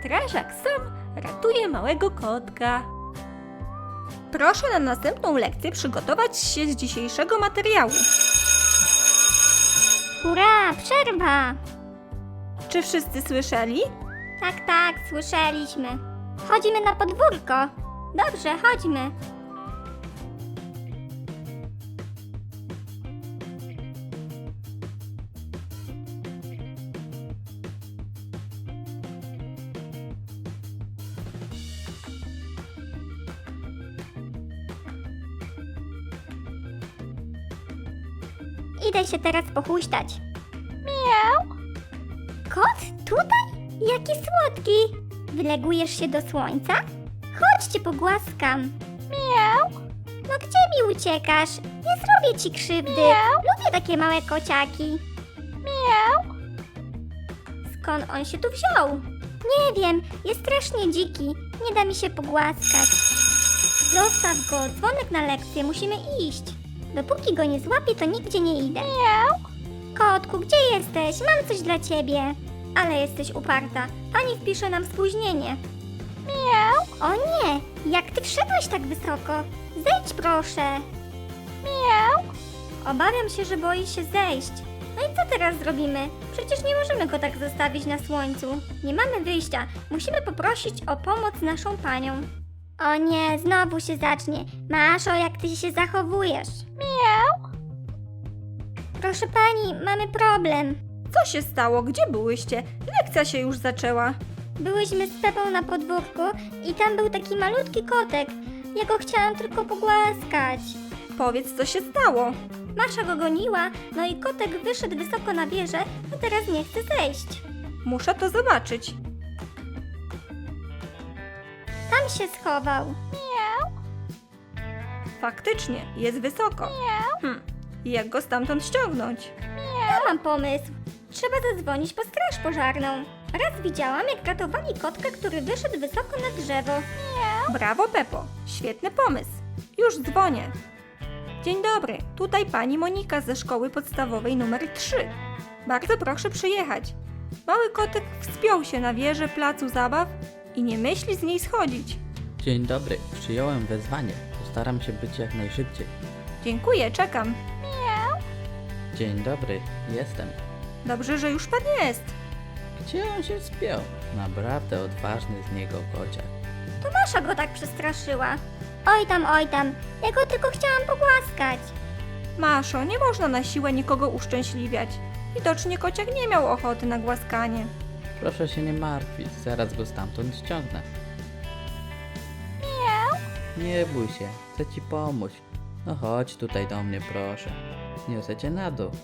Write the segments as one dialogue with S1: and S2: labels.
S1: Strażak sam ratuje małego kotka. Proszę na następną lekcję przygotować się z dzisiejszego materiału.
S2: Hurra, przerwa!
S1: Czy wszyscy słyszeli?
S2: Tak, słyszeliśmy. Chodzimy na podwórko. Dobrze, chodźmy. Idę się teraz pochuśtać. Miau. Kot? Tutaj? Jaki słodki! Wylegujesz się do słońca? Chodź cię pogłaskam. Miau. No gdzie mi uciekasz? Nie zrobię ci krzywdy. Lubię takie małe kociaki. Miau. Skąd on się tu wziął? Nie wiem, jest strasznie dziki. Nie da mi się pogłaskać. Zostaw go, dzwonek na lekcję, musimy iść. Dopóki go nie złapię, to nigdzie nie idę. Miau. Kotku, gdzie jesteś? Mam coś dla ciebie. Ale jesteś uparta. Pani wpisze nam spóźnienie. Miau. O nie, jak ty wszedłeś tak wysoko? Zejdź proszę. Miau. Obawiam się, że boi się zejść. No i co teraz zrobimy? Przecież nie możemy go tak zostawić na słońcu. Nie mamy wyjścia. Musimy poprosić o pomoc naszą panią. O nie, znowu się zacznie. Maszo, jak ty się zachowujesz? Miau. Proszę pani, mamy problem.
S1: Co się stało? Gdzie byłyście? Lekcja się już zaczęła.
S2: Byłyśmy z Pepą na podwórku i tam był taki malutki kotek. Ja go chciałam tylko pogłaskać.
S1: Powiedz, co się stało.
S2: Masza go goniła, no i kotek wyszedł wysoko na wieżę, a teraz nie chce zejść.
S1: Muszę to zobaczyć.
S2: Tam się schował.
S1: Faktycznie, jest wysoko. I jak go stamtąd ściągnąć?
S2: Ja mam pomysł. Trzeba zadzwonić po straż pożarną. Raz widziałam, jak ratowali kotka, który wyszedł wysoko na drzewo.
S1: Brawo, Pepo. Świetny pomysł. Już dzwonię. Dzień dobry, tutaj pani Monika ze szkoły podstawowej numer 3. Bardzo proszę przyjechać. Mały kotek wspiął się na wieżę placu zabaw i nie myśli z niej schodzić.
S3: Dzień dobry, przyjąłem wezwanie. Postaram się być jak najszybciej.
S1: Dziękuję, czekam.
S3: Dzień dobry, jestem.
S1: Dobrze, że już pan jest.
S3: Gdzie on się wspiął? Naprawdę odważny z niego kociak.
S2: To Masza go tak przestraszyła. Oj tam, ja go tylko chciałam pogłaskać.
S1: Maszo, nie można na siłę nikogo uszczęśliwiać. Widocznie kociak nie miał ochoty na głaskanie.
S3: Proszę się nie martwić, zaraz go stamtąd ściągnę. Nie bój się, chcę ci pomóc. No chodź tutaj do mnie, proszę. Niosę cię na dół.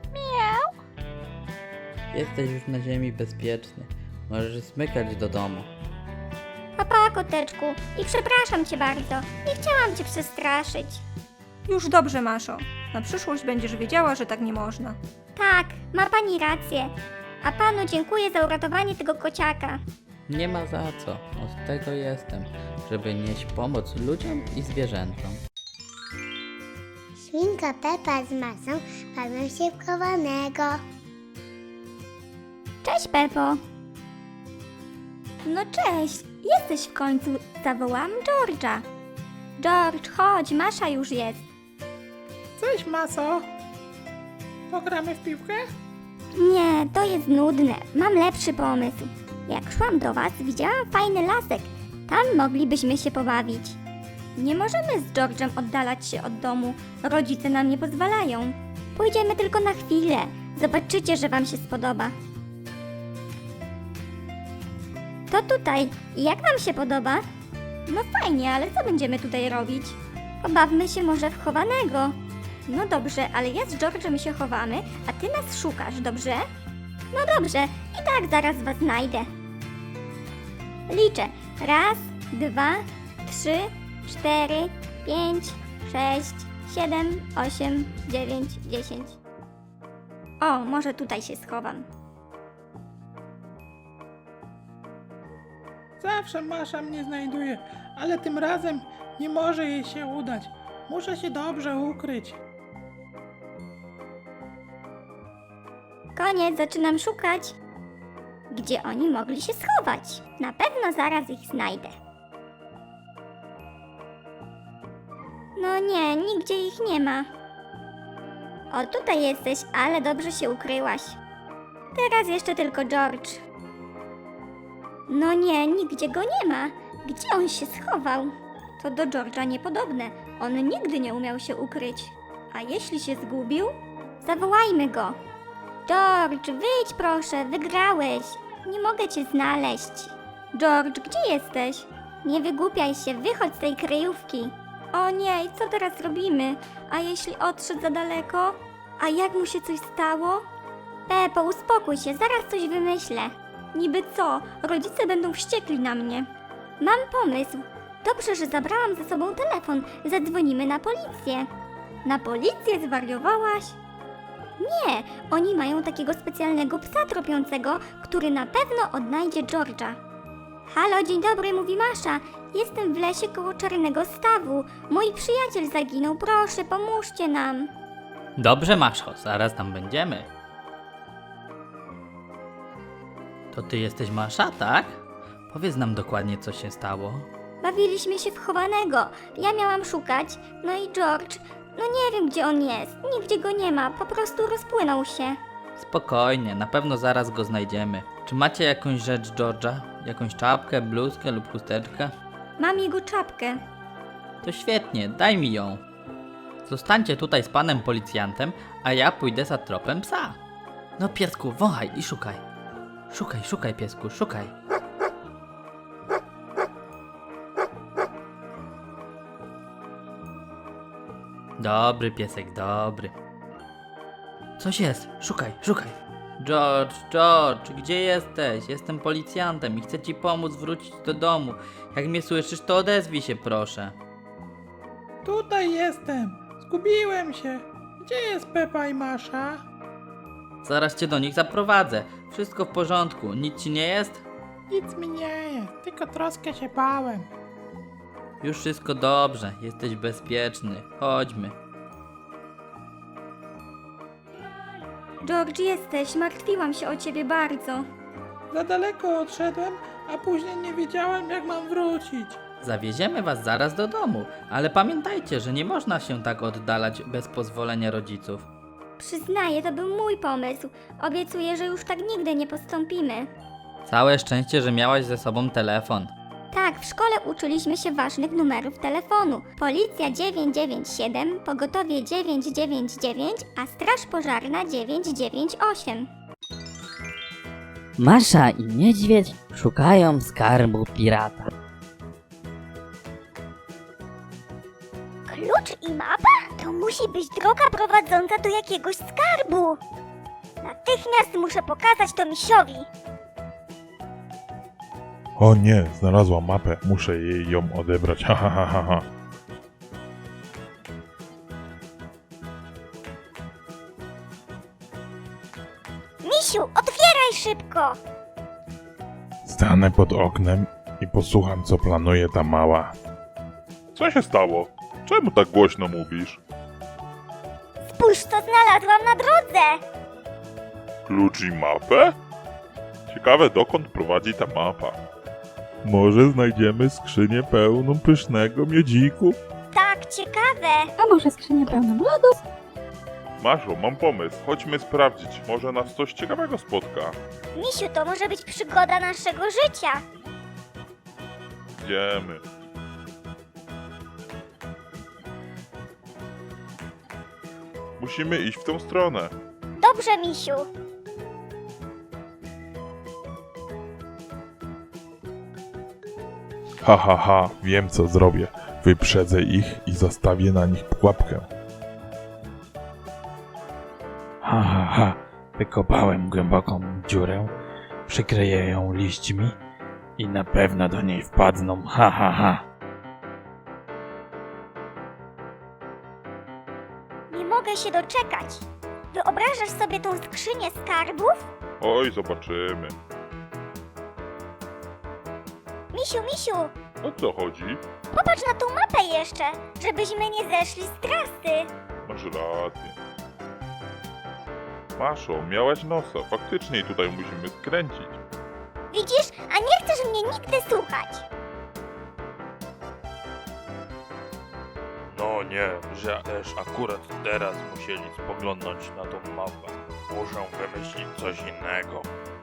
S3: Jesteś już na ziemi bezpieczny. Możesz zmykać do domu.
S2: Papa, koteczku, i przepraszam cię bardzo. Nie chciałam cię przestraszyć.
S1: Już dobrze, Maszo. Na przyszłość będziesz wiedziała, że tak nie można.
S2: Tak, ma pani rację. A panu dziękuję za uratowanie tego kociaka.
S3: Nie ma za co, od tego jestem, żeby nieść pomoc ludziom i zwierzętom.
S4: Świnka Pepa z Masą bawią się w chowanego.
S2: Cześć, Pepo. No cześć, jesteś w końcu. Zawołam George'a. George, chodź, Masza już jest.
S5: Cześć, Maso. Pogramy w piłkę?
S2: Nie, to jest nudne. Mam lepszy pomysł. Jak szłam do was, widziałam fajny lasek. Tam moglibyśmy się pobawić. Nie możemy z George'em oddalać się od domu. Rodzice nam nie pozwalają. Pójdziemy tylko na chwilę. Zobaczycie, że wam się spodoba. To tutaj. Jak wam się podoba? No fajnie, ale co będziemy tutaj robić? Pobawmy się może w chowanego. No dobrze, ale ja z George'em się chowamy, a ty nas szukasz, dobrze? No dobrze, i tak zaraz was znajdę. Liczę. 1, 2, 3, 4, 5, 6, 7, 8, 9, 10. O, może tutaj się schowam.
S5: Zawsze Masza mnie znajduje, ale tym razem nie może jej się udać. Muszę się dobrze ukryć.
S2: Koniec, zaczynam szukać. gdzie oni mogli się schować. Na pewno zaraz ich znajdę. No nie, nigdzie ich nie ma. O, tutaj jesteś, ale dobrze się ukryłaś. Teraz jeszcze tylko George. No nie, nigdzie go nie ma. Gdzie on się schował? To do George'a niepodobne. On nigdy nie umiał się ukryć. A jeśli się zgubił? Zawołajmy go. George, wyjdź proszę, wygrałeś. Nie mogę cię znaleźć. George, gdzie jesteś? Nie wygłupiaj się, wychodź z tej kryjówki. O nie, i co teraz robimy? A jeśli odszedł za daleko? A jak mu się coś stało? Pepo, uspokój się, zaraz coś wymyślę. Niby co? Rodzice będą wściekli na mnie. Mam pomysł. Dobrze, że zabrałam ze sobą telefon. Zadzwonimy na policję. Na policję zwariowałaś? Nie, oni mają takiego specjalnego psa tropiącego, który na pewno odnajdzie George'a. Halo, dzień dobry, mówi Masza. Jestem w lesie koło Czarnego Stawu. Mój przyjaciel zaginął, proszę, pomóżcie nam.
S3: Dobrze, Maszo, zaraz tam będziemy. To ty jesteś Masza, tak? Powiedz nam dokładnie, co się stało.
S2: Bawiliśmy się w chowanego. Ja miałam szukać, no i George, no nie wiem gdzie on jest. Nigdzie go nie ma, po prostu rozpłynął się.
S3: Spokojnie, na pewno zaraz go znajdziemy. Czy macie jakąś rzecz George'a? Jakąś czapkę, bluzkę lub chusteczkę?
S1: Mam jego czapkę.
S3: To świetnie, daj mi ją. Zostańcie tutaj z panem policjantem, a ja pójdę za tropem psa. No piesku, wąchaj i szukaj. Szukaj, szukaj piesku, szukaj. Dobry piesek, dobry. Coś jest, szukaj, szukaj. George, George, gdzie jesteś? Jestem policjantem i chcę ci pomóc wrócić do domu. Jak mnie słyszysz, to odezwij się proszę.
S5: Tutaj jestem. Zgubiłem się. Gdzie jest Pepa i Masza?
S3: Zaraz cię do nich zaprowadzę. Wszystko w porządku, nic ci nie jest?
S5: Nic mi nie jest, tylko troszkę się bałem.
S3: Już wszystko dobrze, jesteś bezpieczny. Chodźmy.
S1: George, jesteś, martwiłam się o ciebie bardzo.
S5: Za daleko odszedłem, a później nie wiedziałem jak mam wrócić.
S3: Zawieziemy was zaraz do domu, ale pamiętajcie, że nie można się tak oddalać bez pozwolenia rodziców.
S2: Przyznaję, to był mój pomysł. Obiecuję, że już tak nigdy nie postąpimy.
S3: Całe szczęście, że miałaś ze sobą telefon.
S2: Tak, w szkole uczyliśmy się ważnych numerów telefonu. Policja 997, pogotowie 999, a straż pożarna 998.
S6: Masza i niedźwiedź szukają skarbu pirata.
S2: Klucz i mapa? To musi być droga prowadząca do jakiegoś skarbu. Natychmiast muszę pokazać to misiowi.
S7: O nie, znalazłam mapę, muszę jej ją odebrać, ha ha ha ha ha.
S2: Misiu, otwieraj szybko!
S7: Stanę pod oknem i posłucham, co planuje ta mała. Co się stało? Czemu tak głośno mówisz?
S2: Spójrz, co znalazłam na drodze!
S7: Klucz i mapę? Ciekawe, dokąd prowadzi ta mapa. Może znajdziemy skrzynię pełną pysznego miodziku?
S2: Tak, ciekawe.
S8: A może skrzynię pełną lodów?
S7: Maszo, mam pomysł. Chodźmy sprawdzić. Może nas coś ciekawego spotka.
S2: Misiu, to może być przygoda naszego życia.
S7: Idziemy. Musimy iść w tą stronę.
S2: Dobrze, misiu.
S7: Ha ha ha, wiem co zrobię. Wyprzedzę ich i zastawię na nich pułapkę.
S9: Ha, ha, ha. Wykopałem głęboką dziurę, przykryję ją liśćmi i na pewno do niej wpadną. Ha, ha, ha.
S2: Nie mogę się doczekać. Wyobrażasz sobie tą skrzynię skarbów?
S7: Oj, zobaczymy.
S2: Misiu,
S7: O co chodzi?
S2: popatrz na tą mapę jeszcze, żebyśmy nie zeszli z trasy.
S7: Masz rację. Maszo, miałaś nosa. Faktycznie tutaj musimy skręcić.
S2: Widzisz, a nie chcesz mnie nigdy słuchać.
S7: No nie, że też akurat teraz musieli spoglądnąć na tą mapę. Muszę wymyślić coś innego.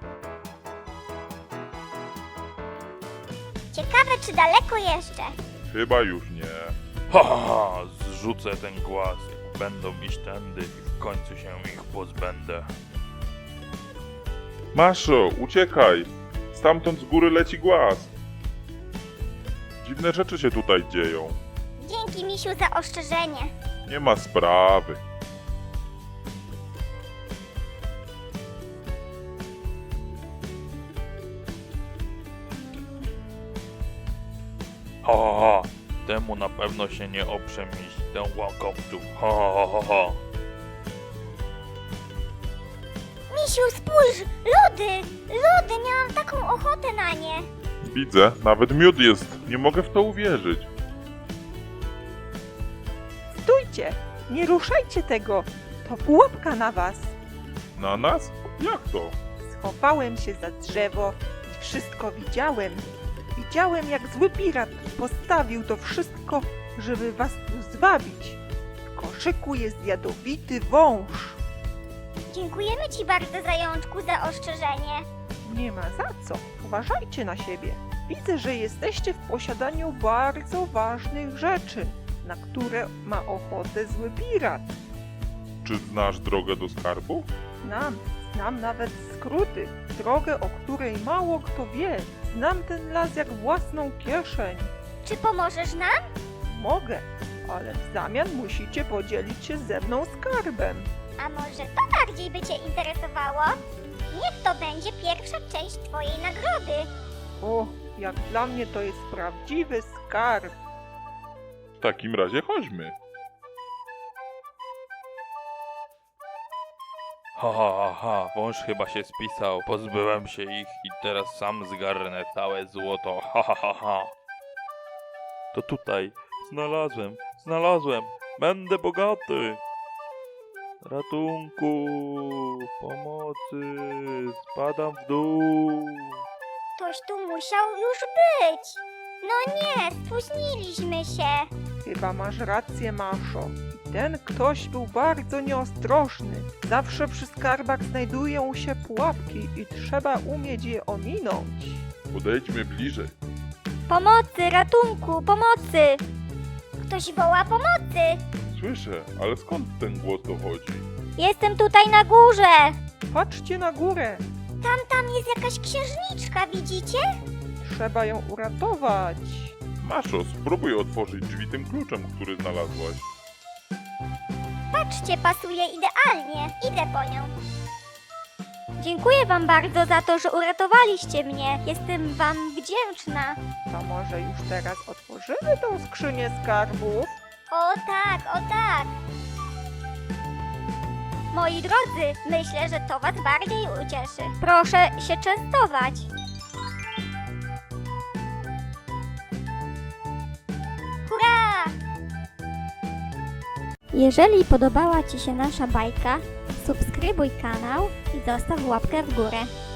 S2: Ciekawe, czy daleko jeszcze.
S7: Chyba już nie. Ha, ha, ha, zrzucę ten głaz. Będą iść tędy i w końcu się ich pozbędę. Maszo, uciekaj! Stamtąd z góry leci głaz. Dziwne rzeczy się tutaj dzieją.
S2: Dzięki, misiu, za ostrzeżenie.
S7: Nie ma sprawy. Ha, ha, ha. Temu na pewno się nie oprze miś, ten łakowców. Ha, ha, ha, ha.
S2: Misiu, spójrz! Lody! Lody! Miałam taką ochotę na nie.
S7: Widzę, nawet miód jest. Nie mogę w to uwierzyć.
S10: Stójcie! Nie ruszajcie tego! To pułapka na was!
S7: Na nas? Jak to?
S10: Schowałem się za drzewo i wszystko widziałem. Widziałem, jak zły pirat postawił to wszystko, żeby was tu zwabić. W koszyku jest jadowity wąż.
S2: Dziękujemy ci bardzo, zajączku, za ostrzeżenie.
S10: Nie ma za co. Uważajcie na siebie. Widzę, że jesteście w posiadaniu bardzo ważnych rzeczy, na które ma ochotę zły pirat.
S7: Czy znasz drogę do skarbu?
S10: Znam nawet skróty, drogę, o której mało kto wie. Znam ten las jak własną kieszeń.
S2: Czy pomożesz nam?
S10: Mogę, ale w zamian musicie podzielić się ze mną skarbem.
S2: A może to bardziej by cię interesowało? Niech to będzie pierwsza część twojej nagrody.
S10: O, jak dla mnie to jest prawdziwy skarb.
S7: W takim razie chodźmy. Ha, ha, ha, ha, wąż chyba się spisał. Pozbyłem się ich i teraz sam zgarnę całe złoto. Ha, ha, ha, ha. To tutaj. Znalazłem. Będę bogaty. Ratunku, pomocy, spadam w dół.
S2: Ktoś tu musiał już być. No nie, spóźniliśmy się.
S10: Chyba masz rację, Maszo. I ten ktoś był bardzo nieostrożny. Zawsze przy skarbach znajdują się pułapki i trzeba umieć je ominąć.
S7: Podejdźmy bliżej.
S2: Pomocy, ratunku, pomocy. Ktoś woła pomocy.
S7: Słyszę, ale skąd ten głos dochodzi?
S2: Jestem tutaj na górze.
S10: Patrzcie na górę.
S2: Tam jest jakaś księżniczka, widzicie?
S10: Trzeba ją uratować.
S7: Maszo, spróbuj otworzyć drzwi tym kluczem, który znalazłaś.
S2: Patrzcie, pasuje idealnie. Idę po nią. Dziękuję wam bardzo za to, że uratowaliście mnie. Jestem wam wdzięczna.
S10: To może już teraz otworzymy tą skrzynię skarbów?
S2: O tak, o tak. Moi drodzy, myślę, że to was bardziej ucieszy. Proszę się częstować. Hurra! Jeżeli podobała ci się nasza bajka, subskrybuj kanał i zostaw łapkę w górę.